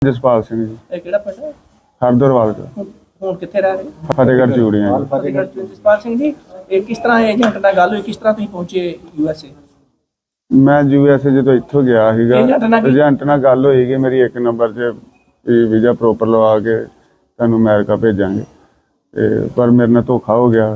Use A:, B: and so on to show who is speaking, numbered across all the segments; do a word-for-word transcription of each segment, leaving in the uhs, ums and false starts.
A: ਜਸਪਾਲ ਸਿੰਘ ਜੀ।
B: ਇਹ ਕਿਹੜਾ ਪਿੰਡ ਹੈ?
A: ਹਰਦਰਵਾਲ ਦਾ।
B: ਹੁਣ ਹੁਣ ਕਿੱਥੇ ਰਹਿ ਰਹੇ?
A: ਫਤਿਹਗੜ੍ਹ ਚੂੜੀਆਂ ਜੀ।
B: ਫਤਿਹਗੜ੍ਹ ਚ। ਜਸਪਾਲ ਸਿੰਘ ਜੀ, ਇਹ ਕਿਸ ਤਰ੍ਹਾਂ ਏਜੰਟ ਨਾਲ ਗੱਲ ਹੋਈ, ਕਿਸ ਤਰ੍ਹਾਂ ਤੁਸੀਂ ਪਹੁੰਚੇ ਯੂ ਐਸ ਏ?
A: ਮੈਂ ਯੂ ਐਸ ਏ ਜਦੋਂ ਇੱਥੋਂ ਗਿਆ ਸੀਗਾ,
B: ਏਜੰਟ ਨਾਲ ਕੀ-
A: ਏਜੰਟ ਨਾਲ ਗੱਲ ਹੋਈ ਕਿ ਮੇਰੀ ਇੱਕ ਨੰਬਰ 'ਚ ਵੀਜ਼ਾ ਪ੍ਰੋਪਰ ਲਵਾ ਕੇ ਤੁਹਾਨੂੰ ਅਮਰੀਕਾ ਭੇਜਾਂਗੇ, ਤੇ ਪਰ ਮੇਰੇ ਨਾਲ ਧੋਖਾ ਹੋ ਗਿਆ।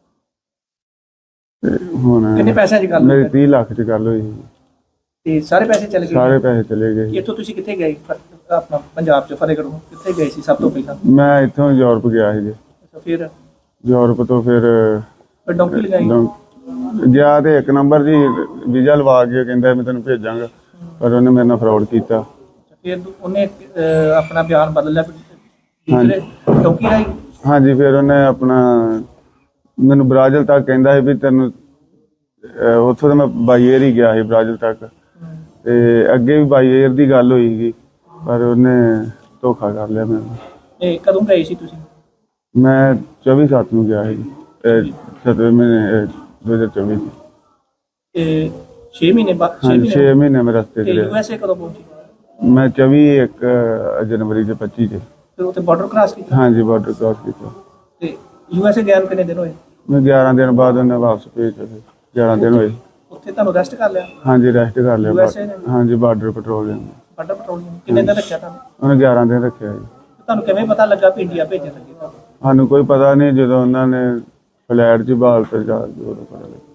A: ਤੇ ਹੁਣ
B: ਕਿੰਨੇ ਪੈਸਿਆਂ ਦੀ ਗੱਲ ਹੋਈ?
A: ਮੇਰੀ ਤੀਹ ਲੱਖ 'ਚ ਗੱਲ ਹੋਈ ਸੀ।
B: ਤੇ ਸਾਰੇ ਪੈਸੇ ਚਲੇ ਗਏ?
A: ਸਾਰੇ ਪੈਸੇ ਚਲੇ ਗਏ।
B: ਇੱਥੋਂ ਤੁਸੀਂ ਕਿੱਥੇ ਗਏ? ਫ- ਆਪਣਾ ਪੰਜਾਬ ਚ ਫਤਿਹਗੜ੍ਹੋਂ ਕਿੱਥੇ ਗਏ ਸੀ ਸਭ ਤੋਂ ਪਹਿਲਾਂ?
A: ਮੈਂ ਇੱਥੋਂ ਯੂਰਪ ਗਿਆ ਸੀ ਜੀ।
B: ਅੱਛਾ, ਫਿਰ
A: ਯੂਰਪ ਤੋਂ ਫਿਰ
B: ਫਿਰ ਡੌਂਕੀ ਲਗਾਈ?
A: ਡੌਂ- ਗਿਆ ਤੇ ਇੱਕ ਨੰਬਰ ਜੀ ਵੀਜ਼ਾ ਲਵਾ ਕੇ ਕਹਿੰਦਾ ਮੈਂ ਤੈਨੂੰ ਭੇਜਾਂਗਾ, ਪਰ ਉਹਨੇ ਮੇਰੇ ਨਾਲ ਫਰਾਡ ਕੀਤਾ।
B: ਫਿਰ ਉਹਨੇ ਅਹ, ਆਪਣਾ ਬਿਆਨ ਬਦਲ ਲਿਆ ਦੂਸਰੇ ਡੌਂਕੀ ਰਾਈ?
A: ਹਾਂਜੀ, ਫਿਰ ਉਹਨੇ ਆਪਣਾ ਮੈਨੂੰ ਬ੍ਰਾਜ਼ਿਲ ਤੱਕ ਕਹਿੰਦਾ ਸੀ ਵੀ ਤੈਨੂੰ ਅਹ ਉੱਥੋਂ ਤਾਂ ਮੈਂ ਬਾਈ ਏਅਰ ਹੀ ਗਿਆ ਸੀ ਬ੍ਰਾਜ਼ਿਲ ਤੱਕ, ਤੇ ਅੱਗੇ ਵੀ ਬਾਈ ਏਅਰ ਦੀ ਗੱਲ ਹੋਈ ਸੀ, ਪਰ ਉਹਨੇ ਧੋਖਾ ਕਰ ਲਿਆ ਮੈਨੂੰ।
B: ਇਹ ਕਦੋਂ ਗਏ ਸੀ ਤੁਸੀਂ?
A: ਮੈਂ ਚੌਵੀ ਸੱਤ ਨੂੰ ਗਿਆ ਸੀ, ਸਤਵੇਂ ਮਹੀਨੇ ਦੋ ਹਜ਼ਾਰ ਚੌਵੀ ਚ।
B: ਇਹ ਛੇ ਮਹੀਨੇ ਬਾਅਦ?
A: ਹਾਂਜੀ, ਛੇ ਮਹੀਨੇ ਮੈਂ ਰਸਤੇ
B: ਤੇ
A: ਚ
B: ਯੂ
A: ਰਿਹਾ।
B: ਐਸ ਏ ਕਦੋਂ ਪਹੁੰਚੇ?
A: ਮੈਂ ਚੌਵੀ ਇੱਕ ਜਨਵਰੀ ਦੇ ਪੱਚੀ ਚ।
B: ਫਿਰ ਉੱਥੇ ਬਾਰਡਰ ਕ੍ਰਾਸ ਕੀਤਾ?
A: ਹਾਂਜੀ, ਬਾਰਡਰ ਕ੍ਰਾਸ ਕੀਤਾ।
B: ਤੇ ਯੂ ਐਸ ਏ ਗਿਆ ਨੂੰ ਕਿੰਨੇ ਦਿਨ ਹੋਏ?
A: ਮੈਂ ਗਿਆਰਾਂ ਦਿਨ ਬਾਅਦ ਉਹਨੇ ਵਾਪਸ ਭੇਜਿਆ। ਗਿਆਰਾਂ ਦਿਨ ਹੋਏ।
B: ਉੱਥੇ ਤੁਹਾਨੂੰ ਅਰੈਸਟ ਕਰ ਲਿਆ
A: ਹਾਂਜੀ, ਰੈਸਟ ਕਰ ਲਿਆ।
B: ਯੂ ਐਸ ਏ ਨੇ?
A: ਹਾਂਜੀ, ਬਾਰਡਰ ਪੈਟਰੋਲਿੰਗ।
B: ਬਾਰਡਰ ਪੈਟਰੋਲਿੰਗ ਕਿੰਨੇ ਦਿਨ ਰੱਖਿਆ ਤੁਹਾਨੂੰ?
A: ਉਹਨੇ ਗਿਆਰਾਂ ਦਿਨ ਰੱਖਿਆ ਜੀ।
B: ਤੁਹਾਨੂੰ ਕਿਵੇਂ ਪਤਾ ਲੱਗਾ ਵੀ ਇੰਡੀਆ ਭੇਜਣ ਲੱਗੇ ਤੁਹਾਨੂੰ?
A: ਸਾਨੂੰ ਕੋਈ ਪਤਾ ਨਹੀਂ, ਜਦੋਂ ਉਹਨਾਂ ਨੇ ਫਲੈਟ 'ਚ ਬਾਲ ਤੇ ਜਾ ਕੇ ਉਦੋਂ ਪਤਾ ਲੱਗਾ।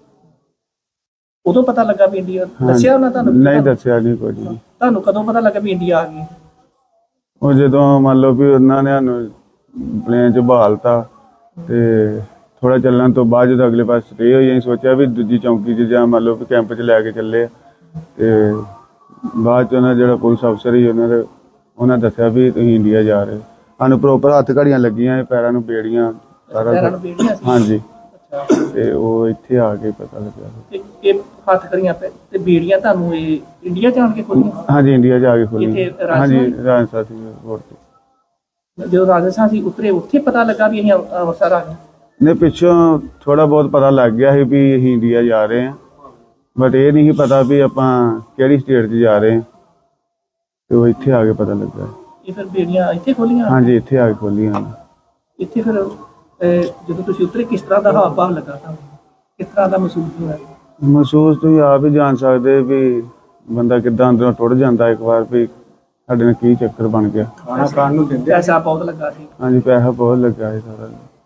B: ਉਦੋਂ ਪਤਾ ਲੱਗਾ ਵੀ ਇੰਡੀਆ? ਦੱਸਿਆ ਉਹਨਾਂ ਤੁਹਾਨੂੰ?
A: ਨਹੀਂ ਦੱਸਿਆ ਨਹੀਂ ਕੁਝ ਵੀ।
B: ਤੁਹਾਨੂੰ ਕਦੋਂ ਪਤਾ ਲੱਗਾ ਵੀ ਇੰਡੀਆ ਆ ਗਈ?
A: ਉਹ ਜਦੋਂ ਮੰਨ ਲਓ ਵੀ ਉਹਨਾਂ ਨੇ ਸਾਨੂੰ ਪਲੇਨ 'ਚ ਬਹਾਲਤਾ, ਤੇ ਥੋੜਾ ਚੱਲਣ ਤੋਂ ਬਾਅਦ ਜਦੋਂ ਅਗਲੇ ਪਾਸੇ ਸਟੇ ਹੋਈ, ਅਸੀਂ ਸੋਚਿਆ ਵੀ ਦੂਜੀ ਚੌਂਕੀ 'ਚ ਜਾਂ ਮੰਨ ਲਓ ਵੀ ਕੈਂਪ 'ਚ ਲੈ ਕੇ ਚੱਲੇ ਆ, ਤੇ ਬਾਅਦ 'ਚ ਉਹਨਾਂ ਜਿਹੜਾ ਪੁਲਿਸ ਅਫਸਰ ਸੀ ਉਹਨਾਂ ਦੇ ਉਹਨਾਂ ਦੱਸਿਆ ਵੀ ਤੁਸੀਂ ਇੰਡੀਆ ਜਾ ਰਹੇ ਹੋ। ਸਾਨੂੰ ਪ੍ਰੋਪਰ ਹੱਥ ਘੜੀਆਂ ਲੱਗੀਆਂ, ਪੈਰਾਂ ਨੂੰ ਬੇੜੀਆਂ, ਸਾਰਾ
B: ਪੈਰਾਂ
A: ਕੁਛ।
B: ਨੂੰ ਬੀੜੀਆਂ ਸੀ?
A: ਹਾਂਜੀ,
B: ਅੱਛਾ,
A: ਤੇ ਉਹ ਇੱਥੇ ਆ ਕੇ ਪਤਾ ਲੱਗਾ।
B: ਤੇ ਇਹ ਹੱਥ ਕਰੀਆਂ ਪੈ ਤੇ ਬੀੜੀਆਂ ਤੁਹਾਨੂੰ ਇਹ ਇੰਡੀਆ ਜਾਣ ਕੇ ਖੋਲੀਆਂ?
A: ਹਾਂਜੀ, ਇੰਡੀਆ ਜਾ ਕੇ ਖੋਲੀ।
B: ਕਿੱਥੇ?
A: ਹਾਂਜੀ,
B: ਰਾਜਸਥਾਨ?
A: ਰਾਜਸਥਾਨ ਸੀ 에ਅਰਪੋਰਟ ਤੇ।
B: ਜਦੋਂ ਰਾਜਸਥਾਨ ਸੀ ਉਤਰੇ, ਉੱਥੇ ਪਤਾ ਲੱਗਾ ਵੀ ਅਸੀਂ ਅੰਮ੍ਰਿ- ਅੰਮ੍ਰਿਤਸਰ ਆ ਗਏ?
A: ਨੇ ਪਿੱਛੋਂ ਥੋੜਾ ਬਹੁਤ ਪਤਾ ਲੱਗ ਗਿਆ ਸੀ ਵੀ ਅਸੀਂ ਇੰਡੀਆ ਜਾ ਰਹੇ ਹਾਂ, ਬਟ ਇਹ ਨਹੀਂ ਸੀ ਪਤਾ ਵੀ ਆਪਾਂ ਕਿਹੜੀ ਸਟੇਟ 'ਚ ਜਾ ਰਹੇ ਹਾਂ, ਤੇ ਉਹ ਇੱਥੇ ਆ ਕੇ ਪਤਾ ਲੱਗਾ।
B: ਇਹ ਫਿਰ ਬੀੜੀਆਂ ਇੱਥੇ ਖੋਲੀਆਂ?
A: ਹਾਂਜੀ, ਇੱਥੇ ਆ ਕੇ ਖੋਲੀਆਂ।
B: ਇੱਥੇ ਫਿਰ ਅਹ, ਜਦੋਂ ਤੁਸੀਂ ਉਤਰੇ ਕਿਸ ਤਰ੍ਹਾਂ ਦਾ ਹਾਵ ਭਾਵ ਲੱਗਾ ਤੁਹਾਨੂੰ? ਕਿਸ ਤਰ੍ਹਾਂ ਦਾ ਮਹਿਸੂਸ ਹੋਇਆ?
A: ਮਹਿਸੂਸ ਤੁਸੀਂ ਆਪ ਹੀ ਜਾਣ ਸਕਦੇ ਵੀ ਬੰਦਾ ਕਿੱਦਾਂ ਅੰਦਰੋਂ ਟੁੱਟ ਜਾਂਦਾ ਇੱਕ ਵਾਰ ਵੀ ਸਾਡੇ ਨਾਲ ਕੀ ਚੱਕਰ ਬਣ ਗਿਆ।
B: ਖਾਣਾ ਖਾਣ ਨੂੰ ਦਿੰਦੇ? ਪੈਸਾ ਬਹੁਤ ਲੱਗਾ ਸੀ?
A: ਹਾਂਜੀ, ਪੈਸਾ ਬਹੁਤ ਲੱਗਾ ਸੀ ਸਾਰਾ।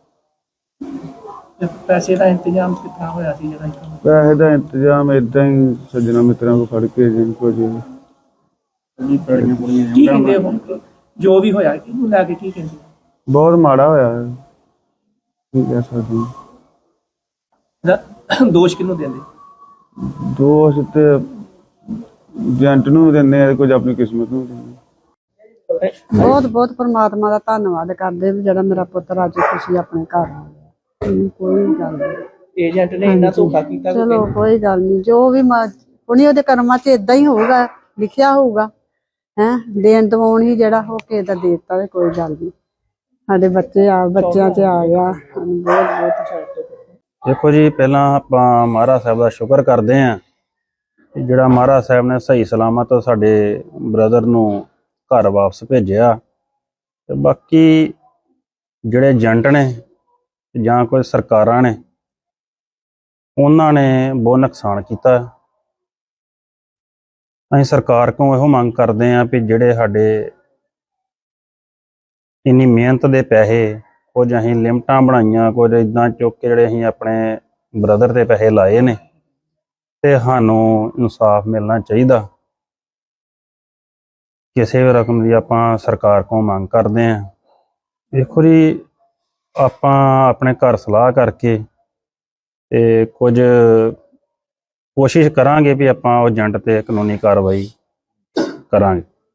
B: ਤੇ ਪੈਸੇ ਦਾ ਇੰਤਜ਼ਾਮ ਕਿੱਥਾਂ ਹੋਇਆ ਸੀ ਜਿਹੜਾ ਇੱਥੋਂ?
A: ਪੈਸੇ ਦਾ ਇੰਤਜ਼ਾਮ ਏਦਾਂ ਹੀ ਸੱਜਣਾ ਮਿੱਤਰਾਂ ਕੋਲ ਫੜ ਕੇ ਜਿੰਨ ਕੋ ਜੀ
B: ਕੀ ਕਹਿੰਦੇ ਹੁਣ ਜੋ ਵੀ ਹੋਇਆ ਇਹਨੂੰ ਲੈ ਕੇ ਕੀ ਕਹਿੰਦੇ?
A: ਬਹੁਤ ਮਾੜਾ ਹੋਇਆ ਹੈ। ਕੀ ਕਹਿ ਸਕਦੇ ਹਾਂ।
B: ਇਹਦਾ ਦੋਸ਼ ਕਿਹਨੂੰ ਦਿੰਦੇ?
A: ਦੋਸ਼ ਤੇ ਏਜੰਟ ਨੂੰ ਦਿੰਦੇ ਆ, ਕੁਝ ਆਪਣੀ ਕਿਸਮਤ ਨੂੰ ਦਿੰਦੇ।
C: ਬਹੁਤ ਬਹੁਤ ਪਰਮਾਤਮਾ ਦਾ ਧੰਨਵਾਦ ਕਰਦੇ ਵੀ ਜਿਹੜਾ ਮੇਰਾ ਪੁੱਤਰ ਅੱਜ ਖੁਸ਼ੀ ਆਪਣੇ ਘਰ ਆ ਗਿਆ। ਹਮ, ਕੋਈ ਗੱਲ ਨਹੀਂ,
B: ਏਜੰਟ ਨੇ ਇੰਨਾ ਧੋਖਾ ਕੀਤਾ?
C: ਚਲੋ ਕੋਈ ਗੱਲ ਨਹੀਂ, ਜੋ ਵੀ ਉਹਨੇ ਉਹਦੇ ਕਰਮਾਂ 'ਚ ਇਦਾਂ ਹੀ ਹੋਊਗਾ, ਲਿਖਿਆ ਹੋਊਗਾ। ਹੈਂ, ਦੇਣ ਦਵਾਉਣ ਹੀ ਜਿਹੜਾ ਹੋ ਕੇ ਦਾ ਦੇ ਦਿੱਤਾ, ਤੇ ਕੋਈ ਗੱਲ ਨਹੀਂ। ਸਾਡੇ ਬੱਚੇ ਆ ਬੱਚਿਆਂ 'ਚ ਆ ਗਿਆ, ਸਾਨੂੰ ਬਹੁਤ ਬਹੁਤ।
D: ਦੇਖੋ ਜੀ, ਪਹਿਲਾਂ ਆਪਾਂ ਮਹਾਰਾਜ ਸਾਹਿਬ ਦਾ ਸ਼ੁਕਰ ਕਰਦੇ ਹਾਂ ਕਿ ਜਿਹੜਾ ਮਹਾਰਾਜ ਸਾਹਿਬ ਨੇ ਸਹੀ ਸਲਾਮਤ ਸਾਡੇ ਬ੍ਰਦਰ ਨੂੰ ਘਰ ਵਾਪਸ ਭੇਜਿਆ। ਤੇ ਬਾਕੀ ਜਿਹੜੇ ਏਜੰਟ ਨੇ ਜਾਂ ਕੋਈ ਸਰਕਾਰਾਂ ਨੇ, ਉਹਨਾਂ ਨੇ ਬਹੁਤ ਨੁਕਸਾਨ ਕੀਤਾ। ਅਸੀਂ ਸਰਕਾਰ ਕੋਲੋਂ ਇਹੋ ਮੰਗ ਕਰਦੇ ਹਾਂ ਵੀ ਜਿਹੜੇ ਸਾਡੇ ਇੰਨੀ ਮਿਹਨਤ ਦੇ ਪੈਸੇ, ਕੁਝ ਅਸੀਂ ਲਿਮਟਾਂ ਬਣਾਈਆਂ, ਕੁਝ ਇੱਦਾਂ ਚੁੱਕ ਕੇ ਜਿਹੜੇ ਅਸੀਂ ਆਪਣੇ ਬ੍ਰਦਰ ਦੇ ਪੈਸੇ ਲਾਏ ਨੇ, ਤੇ ਸਾਨੂੰ ਇਨਸਾਫ ਮਿਲਣਾ ਚਾਹੀਦਾ। ਕਿਸੇ ਵੀ ਰਕਮ ਦੀ ਆਪਾਂ ਸਰਕਾਰ ਕੋਲ ਮੰਗ ਕਰਦੇ ਹਾਂ। ਦੇਖੋ ਜੀ, ਆਪਾਂ ਆਪਣੇ ਘਰ ਸਲਾਹ ਕਰਕੇ ਤੇ ਕੁਝ ਕੋਸ਼ਿਸ਼ ਕਰਾਂਗੇ ਵੀ ਆਪਾਂ ਉਹ ਏਜੰਟ ਤੇ ਕਾਨੂੰਨੀ ਕਾਰਵਾਈ ਕਰਾਂਗੇ।